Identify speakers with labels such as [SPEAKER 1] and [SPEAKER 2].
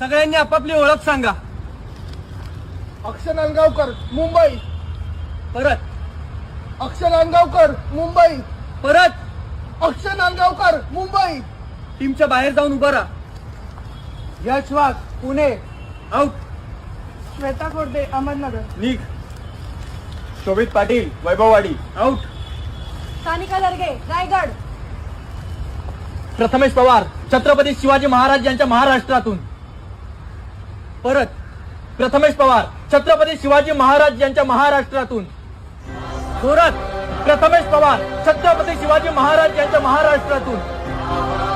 [SPEAKER 1] सगळ्यांनी आपापली ओळख सांगा.
[SPEAKER 2] अक्षय नांदगावकर, मुंबई.
[SPEAKER 1] परत.
[SPEAKER 2] अक्षय नांदगावकर, मुंबई.
[SPEAKER 1] परत.
[SPEAKER 2] अक्षय नांदगावकर, मुंबई.
[SPEAKER 1] टीमच्या बाहेर जाऊन उभा राहा.
[SPEAKER 2] यश वाघ, पुणे.
[SPEAKER 1] आउट.
[SPEAKER 2] श्वेता कोरडे, अहमदनगर.
[SPEAKER 1] निघ.
[SPEAKER 3] शोभित पाटील, वैभववाडी.
[SPEAKER 1] आउट.
[SPEAKER 4] सानिका लर्गे, रायगड.
[SPEAKER 1] प्रथमेश पवार, छत्रपती शिवाजी महाराज यांच्या महाराष्ट्रातून. परत. प्रथमेश पवार, छत्रपती शिवाजी महाराज यांच्या महाराष्ट्रातून. जोरात. प्रथमेश पवार, छत्रपती शिवाजी महाराज यांच्या महाराष्ट्रातून.